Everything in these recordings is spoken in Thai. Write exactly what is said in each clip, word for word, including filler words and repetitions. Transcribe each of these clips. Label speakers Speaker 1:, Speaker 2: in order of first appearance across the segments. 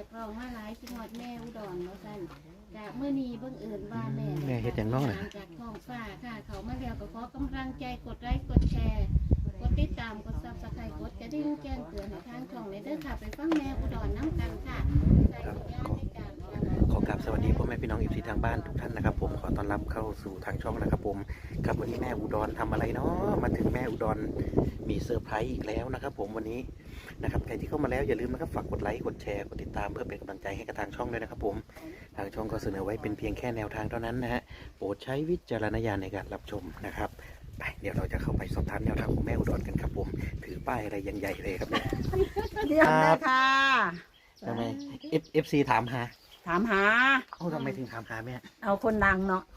Speaker 1: กร้องมาหลายสิหอดแม่อุดรแล้วกันจากเมื่อนี้เบิ่งเอิญว่าแม่
Speaker 2: แม่เฮ็ดอย่างน้องน่ะ
Speaker 1: จากท้องฟ้าค่ะเขามาแล้วก็ขอกำลังใจกดไลค์กดแชร์กดติดตามกดซับสไครต์กดกระดิ่งแจ้งเตือนให้ทางช่องเลยเด้อค่ะไปฟังแม่อุดรน้ำกันค่ะใส่สัญญาณในการ
Speaker 2: ขอกราบสวัสดีพ่อแม่พี่น้องอีซีทางบ้านทุกท่านนะครับผมขอต้อนรับเข้าสู่ทางช่องนะครับผมกับวันนี้แม่อุดรทำอะไรเนาะมาถึงแม่อุดรมีเซอร์ไพรส์อีกแล้วนะครับผมวันนี้นะครับใครที่เข้ามาแล้วอย่าลืมนะครับฝากกดไลค์กดแชร์กดติดตามเพื่อเป็นกำลังใจให้กับทางช่องด้วยนะครับผมทางช่องก็เสนอไว้เป็นเพียงแค่แนวทางเท่านั้นนะฮะโปรดใช้วิจารณญาณในการรับชมนะครับไปเดี๋ยวเราจะเข้าไปสอบถามแนวทางของแม่อุดรกันครับผมถือป้ายอะไรยังใหญ่เลยครับเนี่ย
Speaker 3: เรียบเลยค่ะ
Speaker 2: ทำไมเอฟเอฟซีถามหา
Speaker 3: ถามหา
Speaker 2: โอ้ทำไมถึงถามหาแม่
Speaker 3: เอาคนดังเนาะ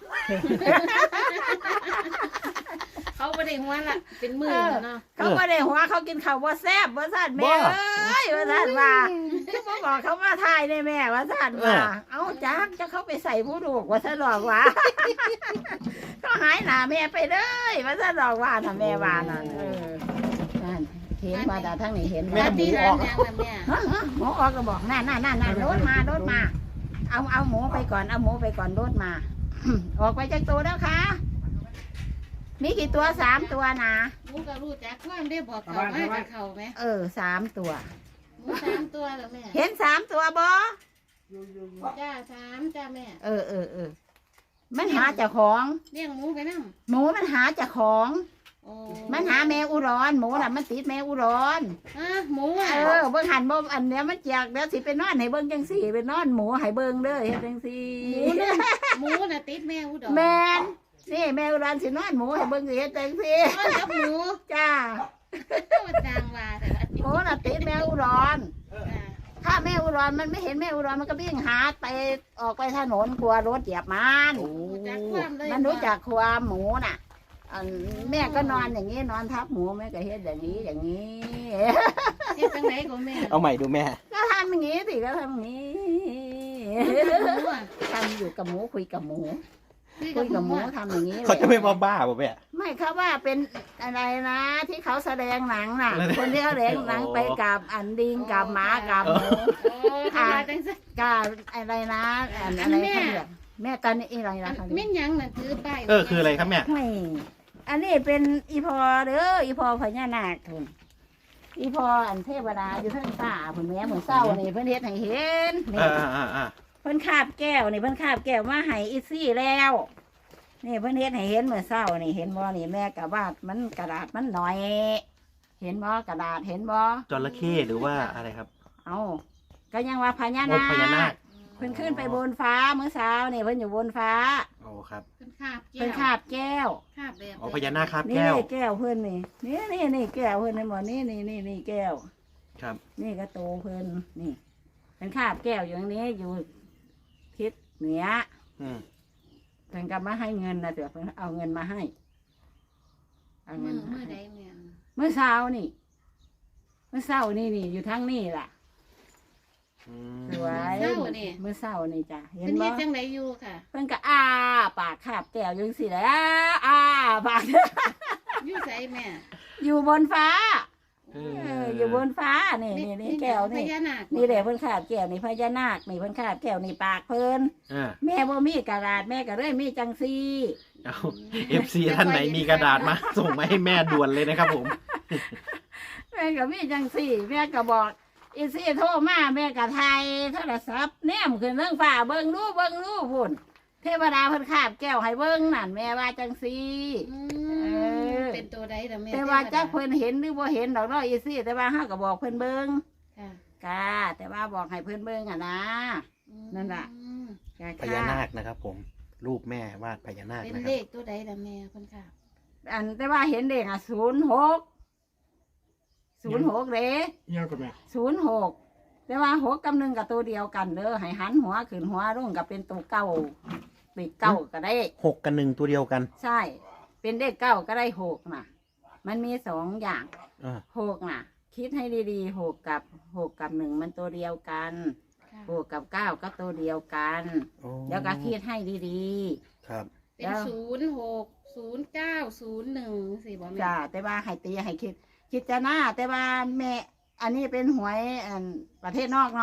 Speaker 1: เขาไม่ได้หัวละเป็นมือเนาะ
Speaker 3: เขาไม่ได้หัวเขากินข้าวว่าแซ่บว่าสั่นแม่เอ้ยว่าสั่นว่าก็มาบอกเขามาทายในแม่ว่าสั่นว่าเอาจ้างจะเข้าไปใส่ผู้ดูกว่าสั่นหลอกว่าก็หายหนาแม่ไปเลยว่าสั่นหลอกว่าน่ะแม่ว่านั่นเออนั่นเห็นว่าแต่ทั้งนี้เห็น
Speaker 1: แม่
Speaker 3: ว่า
Speaker 1: ที่ร้านยังละแม่
Speaker 3: ฮะฮะหมูออกก็บอกนั่นนั่นนั่นนั่นรถมารถมาเอาเอาหมูไปก่อนเอาหมูไปก่อนรถมา ออกไปจากตัวแล้วค่ะมีกี่ตัวสามตัวนะ
Speaker 1: หมูก็รู้จักความได้บอกเขามากับเขาไหม
Speaker 3: เออสามตัว
Speaker 1: หมูสามตัวแล้วแม่
Speaker 3: เห็นสามตัวบอ
Speaker 1: จ้าสามจ้าแม่
Speaker 3: เออเออเออมันหาเจ้าของ
Speaker 1: เลี้ยงหมูไปนั่ง
Speaker 3: หมูมันหาเจ้าของ
Speaker 1: โอ้
Speaker 3: มันหาแมวอุรอนหมูน่ะมันติดแมวอุรอน
Speaker 1: อ่ะหมูอ่ะ
Speaker 3: เออเบิ่งหันบ่อันเนี้ยมันเจียกเดี๋ยวสิไปนอนให้เบิ่งจังสี่ไปนอนหมูให้เบิ่งเด้อเฮ็ดจังสี่
Speaker 1: หมูเนี่ยหมูน่ะติดแม่อุดร
Speaker 3: แมนนี่แมวอุรอนสินอนหมูให้เบิ่งสิเฮ็ดจังสี่
Speaker 1: นอนกับหมู
Speaker 3: จ้า
Speaker 1: ก็มาจางว่าแต่ละ
Speaker 3: หมูน่ะติดแมวอุรอน
Speaker 1: จ้า
Speaker 3: ถ้าแมวอุรอนมันไม่เห็นแมวอุรอนมันก็วิ่งหาไปออกไปถนนกลัวรถเหยียบมัน
Speaker 1: รู้จักความเลย
Speaker 3: มันรู้จักความหมูน่ะอันแม่ก็นอนอย่างนี้นอนทับหมูแม่ก็เฮ็ดอย่างนี้อย่างนี้
Speaker 1: เฮ็ดจังไหนก็แม่
Speaker 2: เอาใหม่ดูแม่
Speaker 3: ก็ทำอย่างนี้สิก็ทำอย่างนี้
Speaker 1: หมูอ่ะ
Speaker 3: ทำอยู่กับหมูคุยกับหมู
Speaker 1: คือ
Speaker 3: คุ
Speaker 1: กับ
Speaker 3: ย
Speaker 1: ห
Speaker 3: กับห
Speaker 1: มู
Speaker 3: มู
Speaker 1: อ่ะ
Speaker 3: ทำอย่างนี้
Speaker 2: เขาจะไม่มาบ้าป่ะแม่
Speaker 3: ไม่เขาว่าเป็นอะไรนะ ที่เขาแสดงหนังน่ะ
Speaker 2: อะไรนะ
Speaker 3: คนที่เขาแสดงหนังไปกับอันดิงกับหมากับหมู
Speaker 1: โอ้ทำมาจังซั่น
Speaker 3: กับอะไรนะอันอะไรเขาเรียกแม่ตอนนี้อะไรนะเขา
Speaker 1: แม่
Speaker 3: เรียก
Speaker 1: นหยังน่ะถือป้าย
Speaker 2: เออคืออะไรครับแม่
Speaker 3: ไม่อันนี้เป็นอีพอเด้ออีพอพญานาคทุนอีพออันเทวดาอยู่เพิ่นป่าเพิ่นแม่เหมือนเศร้านี่เพิ่นเฮ็ดให้เห็นนี่
Speaker 2: อ่าอ่าอ่า
Speaker 3: เพิ่นคาบแก้วนี่เพิ่นคาบแก้วมาให้อีซี่แล้ว นี่เพิ่นเฮ็ดให้เห็นเหมือนเศร้านี่เห็นบ่นี่แม่กะวาดมันกระดาษมันหน่อย เห็นบ่กระดาษเห็นบ่
Speaker 2: จระเข้หรือว่าอะไรครับ
Speaker 3: เอาก็ยังว่าพญา
Speaker 2: โอ้
Speaker 3: นา
Speaker 2: พญานา
Speaker 3: ค
Speaker 2: ค
Speaker 3: เพิ่นขึ้นไปบนฟ้าเมื่อเช้านี่เพิ่นอยู่บนฟ้า
Speaker 2: โอ้ครับ
Speaker 1: เพิ่นคาบแก้ว
Speaker 3: เพิ่นคาบแก้ว
Speaker 1: คาบแบบ
Speaker 2: โอ้พญานาคครับ
Speaker 3: นี่
Speaker 2: แก้ว
Speaker 3: แก้วเพิ่นนี่นี่นี่นี่แก้วเพิ่นนี่บ่นี่นี่นี่นี่แก้ว
Speaker 2: ครับ
Speaker 3: นี่ก็โตเพิ่นนี่เพิ่นคาบแก้วอยู่ตรงนี้อยู่ทิศเหนือ
Speaker 2: อืม
Speaker 3: เพิ่นก็มาให้เงินนะเดี๋ยวเพิ่นเอาเงินมาให้เอาเงิ
Speaker 1: มื
Speaker 3: น
Speaker 1: อ
Speaker 3: มา
Speaker 1: มือ
Speaker 3: ให้
Speaker 1: ใดแม่น
Speaker 3: เมื่อเช้านี่เมื่อเช้านี่นี่อยู่ทั้งนี่ล่ะ
Speaker 2: อืม
Speaker 3: สวย
Speaker 1: เช้านี่
Speaker 3: เมื่อเช้านี่จ้ะเห็
Speaker 1: เพิ่
Speaker 3: น
Speaker 1: น
Speaker 3: บ่
Speaker 1: เฮ็ดจังไดอยู่ค่ะ
Speaker 3: เพิ่นก็อ้าปากคาบแก้วอยังสิแหล้วอ้าปาก
Speaker 1: อยู่ไสแม่
Speaker 3: อยู่บนฟ้า
Speaker 2: เอ
Speaker 3: เอ
Speaker 2: อ
Speaker 3: ออยู่บนฟ้านี่นี่นี่แก้ว
Speaker 1: พ
Speaker 3: นี่
Speaker 1: ญานาค
Speaker 3: นี่แหละเพิ่นคาบแก้วนี่พญานาคนี่เพิ่นคาบแก้วนี่ปากเพิ่น
Speaker 2: อ่า
Speaker 3: แม่บ่มีกระดาษแม่ก็เลยมีจังซี่
Speaker 2: เอาเอฟซีท่านไหนมีกระดาษมา ส่งมาให้แม่ด่วนเลยนะครับผม
Speaker 3: แม่ก็มีจังซี่แม่ก็บอกอีซี่โทรมาแม่ก็ไทยโทรศัพท์แนมขึ้นเรื่องฟ้าเบิ่งดูเบิ่งดูพุ่นเทวดาเพิ่นคาบแก้วให้เบิ่งนั่นแม่ว่าจังซี่
Speaker 1: อื
Speaker 3: เอ
Speaker 1: ม
Speaker 3: อ
Speaker 1: เป็นตัวใดล่ะแม่
Speaker 3: แต่ว่าจักเพิ่นเห็นหรือบ่เห็นดอกเนาะอีซี่แต่ว่าเฮาก็บอกเพิ่นเบิ่ง
Speaker 1: ค่ะ
Speaker 3: กะแต่ว่าบอกให้เพิ่นเบิ่งอ่ะนะ นั่นล่ะ
Speaker 1: อืม
Speaker 3: กะ
Speaker 2: พญานาคนะครับผม รูปแม่วาดพญานาค
Speaker 1: เป็น
Speaker 2: นะค
Speaker 1: เล
Speaker 2: รับ
Speaker 1: ขตัวใดล่ะแม่เพิ่นค่ะ
Speaker 3: อันแต่ว่าเห็นเด็กอ่ะศูนย์หกศูนย์หกเด้
Speaker 4: เงี้ยกับแม่
Speaker 3: ศูนย์หกแต่ว่าหกกับหนึ่งกับตัวเดียวกันเด้อให้หันหัวขึ้นหัวลงกับเป็นตัวเก้าเป็นเก้าก็ได้
Speaker 2: หกกับหนึ่งตัวเดียวกัน
Speaker 3: ใช่ เป็นเลขเก้าก็ได้หกน่ะ มันมีสองอย่าง
Speaker 2: อ่า
Speaker 3: หกน่ะ คิดให้ดีๆหกกับหกกับหนึ่งมันตัวเดียวกัน
Speaker 1: ค่ะ
Speaker 3: หกกับเก้าก็ตัวเดียวกัน
Speaker 2: โอ้
Speaker 3: แล้วก็คิดให้ดี
Speaker 2: ครับ
Speaker 1: เป็นศูนย์หกศูนย์เก้าศูนย์หนึ่งสิบ่
Speaker 3: ๆ
Speaker 1: แม่
Speaker 3: จ้าแต่ว่าให้ตีให้คิด คิดจะหน้าแต่ว่าแม่ อันนี้เป็นหวยอันประเทศนอกเนาะ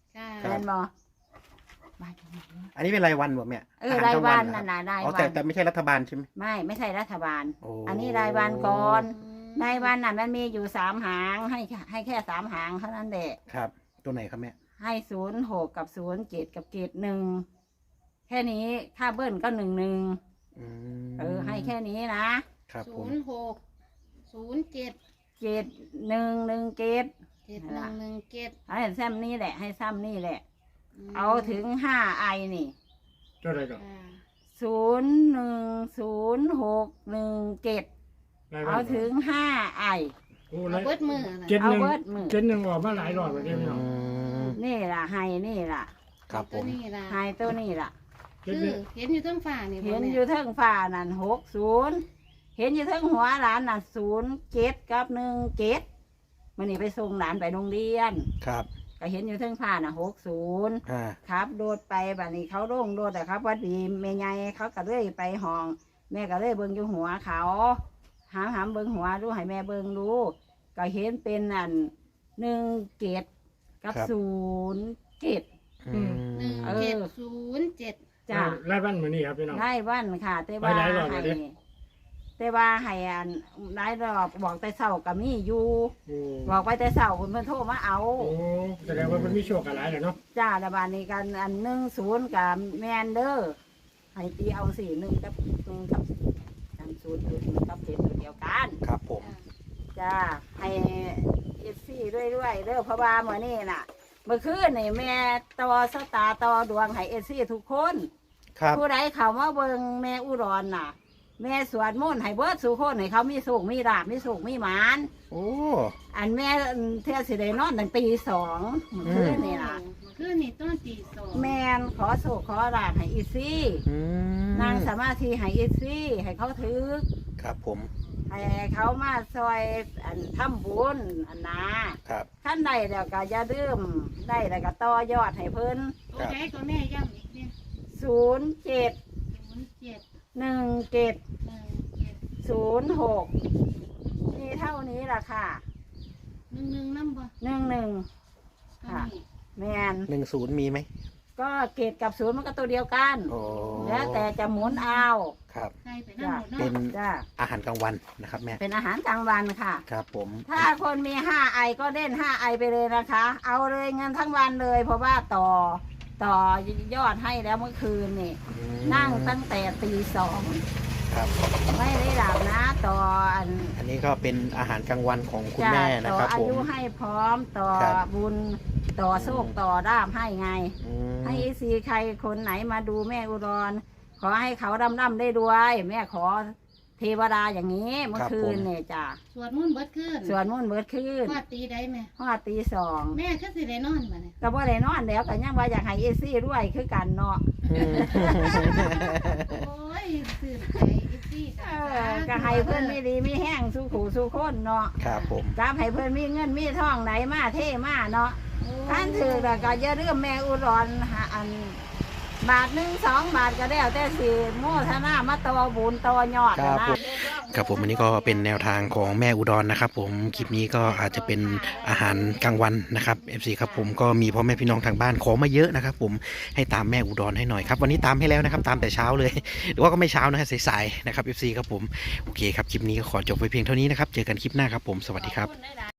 Speaker 1: ค่ะ
Speaker 2: ครั
Speaker 3: แม่
Speaker 2: บ
Speaker 3: นบ่
Speaker 2: อันนี้เป็นรายวันบ่แม่
Speaker 3: เออ
Speaker 2: ห
Speaker 3: ราย
Speaker 2: กลง
Speaker 3: วัน
Speaker 2: เหรอ
Speaker 3: น่ะ
Speaker 2: ครับ
Speaker 3: นะราย
Speaker 2: อ๋อ
Speaker 3: วั
Speaker 2: แต่
Speaker 3: น
Speaker 2: แต่ไม่ใช่รัฐบาลใช่ไหม
Speaker 3: ไม่ไม่ใช่รัฐบาล
Speaker 2: โอ้
Speaker 3: อันนี้รายวันก่อน
Speaker 1: อืม
Speaker 3: รายวันน่ะมันมีอยู่สามหางให้ให้แค่สามหางเท่านั้นแหละ
Speaker 2: ครับ ตัวไหนครับแม่
Speaker 3: ให้ศูนย์หกกับศูนย์เจ็ดกับเกตหนึ่งแค่นี้ค่าเบิ้ลก็หนึ่งหนึ่ง
Speaker 2: อืม
Speaker 3: เออให้แค่นี้นะครับ
Speaker 2: ผ
Speaker 1: ศู
Speaker 2: ม
Speaker 1: นย์หกศูนย์เจ็ด
Speaker 3: เกตหนึ่งหนึ่งเกต
Speaker 1: เจ็ดหนึ่งหนึ่งเจ็ด
Speaker 3: ให้ซ้ำนี่แหละให้ซ้ำนี่แหละ เอาถึงห้าไอนี่
Speaker 4: เท่าไหรก่อน
Speaker 1: อ่า
Speaker 3: ศูนย์หนึ่งศูนย์หกหนึ่งเกต
Speaker 4: รายวั
Speaker 3: เอา
Speaker 4: น
Speaker 3: ถึงห้าไอ
Speaker 4: โอ้
Speaker 1: เอา
Speaker 4: ราย
Speaker 1: เบิดมือน่ะ
Speaker 4: เจ็ด
Speaker 3: เอา
Speaker 4: หนึ่ง
Speaker 3: เบิดมือ
Speaker 4: เจ็ดหนึ่งออกมาหลายรอบแล้วเด้พี่น้อง
Speaker 2: อืม
Speaker 3: นี่ล่ะให้นี่ล่ะ
Speaker 2: ครับผ
Speaker 1: ตัว
Speaker 2: ม
Speaker 1: นี้ล่ะ
Speaker 3: ให้ตัวนี่ล่ะ
Speaker 4: เจ็ด
Speaker 1: คื
Speaker 4: หนึ่
Speaker 1: อง เห็นอยู่ต้นฝ่านี่บ่
Speaker 3: เห็น
Speaker 1: แม่
Speaker 3: อยู่เทิงฟ้านั่นหกศูนย์เห็นอยู่เทิงหัวหลานนั่นศูนย์เจ็ดกับหนึ่งเจ็ดมันนี่ไปส่งหลานไปโรงเรียน
Speaker 2: ครับ
Speaker 3: ก็เห็นอยู่เทิงฟ้าน่ะหกศูนย์
Speaker 2: อ่า
Speaker 3: ครับโดดไปบัดนี้เขาโด่งโดดแต่ครับว่าดีแม่ใหญ่เขาก็เลยไปห้อง แม่ก็เลยเบิ่งอยู่หัวเขาหามหามเบิ่งหัวดูให้แม่เบิ่งดูก็เห็นเป็นอันหนึ่งเกตกับศูนย์เกต
Speaker 2: อืม
Speaker 1: หนึ่ง
Speaker 3: เออ
Speaker 1: เจ็ดศูนย์เจ็ด
Speaker 3: จ้าร
Speaker 4: ายวันเหมือนนี่ครับพี่น้อง
Speaker 3: ได้วันค่ะ แต่ว่า
Speaker 4: ไปหลายรอบแล้
Speaker 3: ให้
Speaker 4: วดิ
Speaker 3: แต่ว่าให้อันได้รอบบอกแต่เศร้ากับมีอยู่
Speaker 4: โอ้
Speaker 3: บอกไปแต่เศร้าคุณเพิ่นโทรมาเอา
Speaker 4: โอ้แสดงว่ามันมีโชคอะไรแหละเนาะ
Speaker 3: จ้าระบาดนี้กันอันหนึ่งศูนย์กับแมนเดอร์ให้ตีเอาสี่หนึ่งกับหนึ่งกับอันศูนย์หนึ่งกับเจ็ดตัวเดียวกัน
Speaker 2: ครับผม
Speaker 3: จ้าให้เอฟซีด้วยด้วยๆเด้อเพราะว่าเมื่อนี้น่ะ เมื่อคืนนี่แม่ต่อสตาร์ต่อดวงให้เอฟซีทุกคน
Speaker 2: ครับ
Speaker 3: ผู้ใดเขามาเบิ่งแม่อุดรน่ะ แม่สวดมนต์ให้เบิดสู่คนให้เขามีสุขมีลาบมีสุขมีหมาน
Speaker 2: โอ้
Speaker 3: อันแม่เที่ยสิได้นอนตั้งตีสองเมื่อคืนนี่ล่ะ
Speaker 1: คือนี่ต้นตีสอง
Speaker 3: แมนขอโศกขอลาบให้อีซี่
Speaker 2: อืม
Speaker 3: นางสมาธิให้อีซี่ให้เขาถือ
Speaker 2: ครับผม
Speaker 3: ให้เขามาซอยอันทำบุญอันนะครับ ขั้นใดเดี๋ยวก็อย่าลืมได้แล้วก็ต่อยอดให้เพิ่น
Speaker 1: ตัวใดก็แม่ย้ำอีกเนี่ย
Speaker 3: ศูนย์เจ็ด
Speaker 1: ศูนย์เจ็ด
Speaker 3: หนึ่งเจ็ด
Speaker 1: หนึ่งเจ็ด
Speaker 3: ศูนย์หกมีเท่านี้ล่ะค่ะ
Speaker 1: หนึ่งหนึ่งน้ำบ่
Speaker 3: หนึ่งหนึ่ง
Speaker 1: ตัว
Speaker 3: ค่ะ
Speaker 1: นี้
Speaker 3: แมน
Speaker 2: หนึ่งศูนย์มีไหม
Speaker 3: ก็เกตกับศูนย์มันก็ตัวเดียวกัน
Speaker 2: โอ้
Speaker 3: แล้วแต่จะหมุนเอา
Speaker 2: ครับ
Speaker 1: ใครไปนั่งหมด
Speaker 2: เป็
Speaker 1: เนาะ
Speaker 2: น
Speaker 3: จ้า
Speaker 2: อาหารกลางวันนะครับแม่
Speaker 3: เป็นอาหารกลางวันค่ะ
Speaker 2: ครับผม
Speaker 3: ถ้าคนมีห้าไอก็เล่นห้าไอไปเลยนะคะ เอาเลยเงินทั้งวันเลย เพราะว่าต่อต่อยอดให้แล้วเมื่อคืนนี่
Speaker 2: อืม
Speaker 3: นั่งตั้งแต่ตีสอง
Speaker 2: ครับ
Speaker 3: ไม่ได้หลับนะต่ออัน
Speaker 2: อันนี้ก็เป็นอาหารกลางวันของคุณ
Speaker 3: จะ
Speaker 2: แม่นะ
Speaker 3: ต่อ
Speaker 2: ครับ
Speaker 3: อา
Speaker 2: ผม
Speaker 3: ยุให้พร้อมต่อ
Speaker 2: ครับ
Speaker 3: บุญต่อโชคต่อด้ามให้ไง
Speaker 2: อืม
Speaker 3: ให้ซีใครคนไหนมาดูแม่อุดร ขอให้เขาร่ำร่ำได้ด้วย แม่ขอเทวดาอย่างนี้เมื่อคืนเนี่ยจ้ะ
Speaker 1: สวดมุ่นต์เบิดขึ้น
Speaker 3: ส่วนมุ่นเบิดคืน
Speaker 1: ฟาดตีได้ไหม
Speaker 3: พอดตีสอง
Speaker 1: แม่ก็สิได้นอนมาเนี่ย
Speaker 3: ก็บ่ได้นอนแล้วก็ยังว่าอยากให้เอซี่ด้วยคือกันเนาะ
Speaker 2: อืม
Speaker 1: โอ้ยสื่นใจอีซี่
Speaker 3: เออก็ให้เพื่อนมีดีมีแห้งสู้ขู่สู้คนเนาะ
Speaker 2: ครับผม
Speaker 3: กราบให้เพื่อนมีเงินมีทองไหนมาเท่มาเนาะท่านถือแต่ก็อย่าลืมแม่อุดรหาอันบาทหนึ่งสองบาทก็ได้แต่สี่โมทนามาต่อบุญต่อยอด
Speaker 2: ครับ
Speaker 3: นะ
Speaker 2: ผม ครับผมอันนี้ก็เป็นแนวทางของแม่อุดรนะครับผมคลิปนี้ก็อาจจะเป็นอาหารกลางวันนะครับ เอฟ ซี ครับผมก็มีพ่อแม่พี่น้องทางบ้านขอมาเยอะนะครับผมให้ตามแม่อุดรให้หน่อยครับวันนี้ตามให้แล้วนะครับตามแต่เช้าเลยหรือว่าก็ไม่เช้านะฮะสายๆนะครับ เอฟ ซี ครับผมโอเคครับคลิปนี้ก็ขอจบไว้เพียงเท่านี้นะครับเจอกันคลิปหน้าครับผมสวัสดีครับ